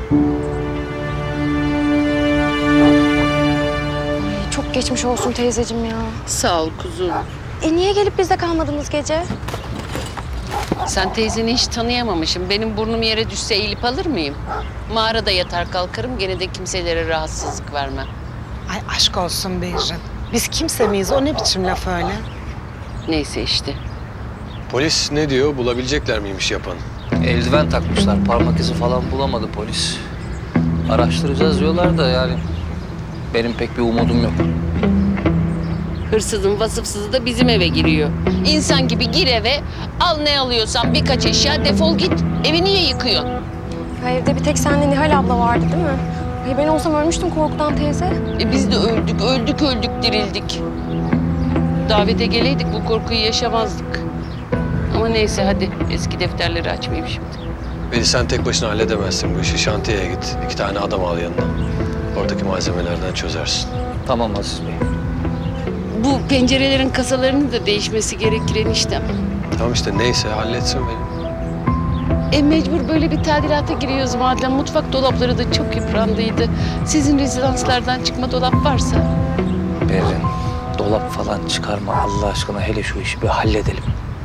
Çok geçmiş olsun teyzeciğim ya. Sağ ol kuzum. Niye gelip bizde kalmadınız gece? Sen teyzeni hiç tanıyamamışım. Benim burnum yere düşse eğilip alır mıyım? Mağarada yatar kalkarım, gene de kimselere rahatsızlık vermem. Ay aşk olsun Beyrin. Biz kimse miyiz? O ne biçim laf öyle? Neyse işte. Polis ne diyor? Bulabilecekler miymiş yapanı? Eldiven takmışlar. Parmak izi falan bulamadı polis. Araştıracağız diyorlar da yani benim pek bir umudum yok. Hırsızın vasıfsızı da bizim eve giriyor. İnsan gibi gir eve, al ne alıyorsan birkaç eşya, defol git. Evi niye yıkıyorsun? Ya evde bir tek senle Nihal abla vardı değil mi? Ay ben olsam ölmüştüm korkudan teyze. Biz de öldük dirildik. Davete geleydik bu korkuyu yaşamazdık. Ama neyse hadi eski defterleri açmayayım şimdi. Beni sen tek başına halledemezsin bu işi. Şantiyeye git. 2 tane adam al yanına. Oradaki malzemelerden çözersin. Tamam Aziz Bey. Bu pencerelerin kasalarının da değişmesi gerekir eniştem. Tamam işte neyse halletsin beni. Mecbur böyle bir tadilata giriyoruz madem. Mutfak dolapları da çok yıprandıydı. Sizin rezidanslardan çıkma dolap varsa. Berrin, dolap falan çıkarma Allah aşkına, hele şu işi bir halledelim.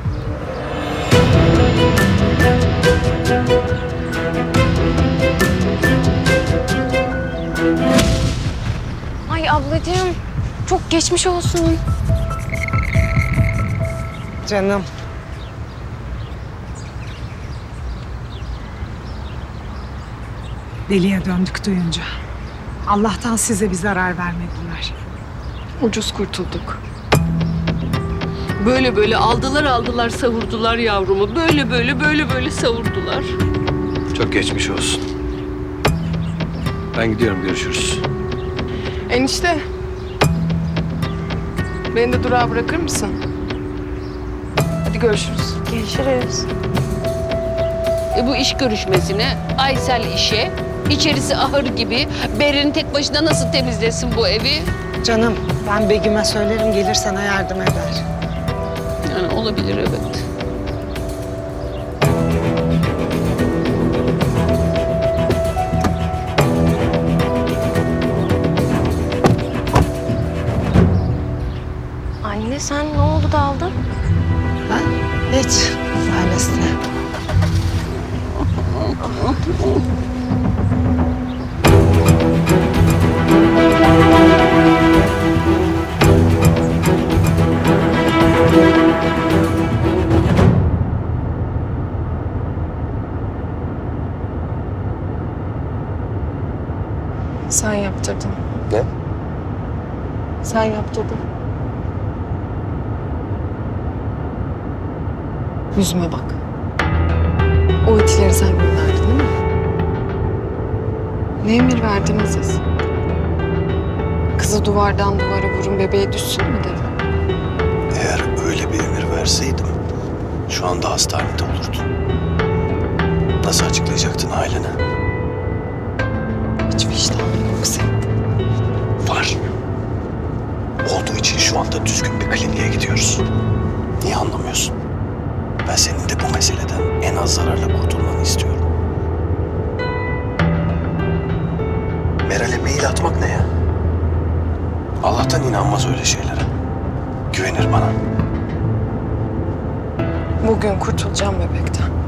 Ay ablacığım çok geçmiş olsun. Canım. Deliye döndük duyunca. Allah'tan size bir zarar vermediler. Ucuz kurtulduk. Böyle aldılar savurdular yavrumu. Böyle savurdular. Çok geçmiş olsun. Ben gidiyorum, görüşürüz. Enişte. Beni de durağa bırakır mısın? Hadi görüşürüz. Görüşürüz. Bu iş görüşmesine, Aysel işe, içerisi ahır gibi. Berrin tek başına nasıl temizlesin bu evi? Canım ben Begüm'e söylerim, gelir sana yardım eder. Yani olabilir evet. Anne sen ne oldu daldın? Ha? Hiç. Ailesine. Sen yaptırdın. Ne? Sen yaptırdın. Yüzüme bak. O itileri sen gönderdin değil mi? Ne emir verdiniz siz? Kızı duvardan duvara vurun, bebeğe düşsün mü dedin? Eğer öyle bir emir verseydim şu anda hastanede olurdun. Nasıl açıklayacaktın ailene? Hiç vicdanın yok senin. Var. Olduğu için şu anda düzgün bir kliniğe gidiyoruz. Niye anlamıyorsun? Ben senin de bu meseleden en az zararla kurtulmanı istiyorum. Meral'e mail atmak ne ya? Allah'tan inanmaz öyle şeylere. Güvenir bana. Bugün kurtulacağım bebekten.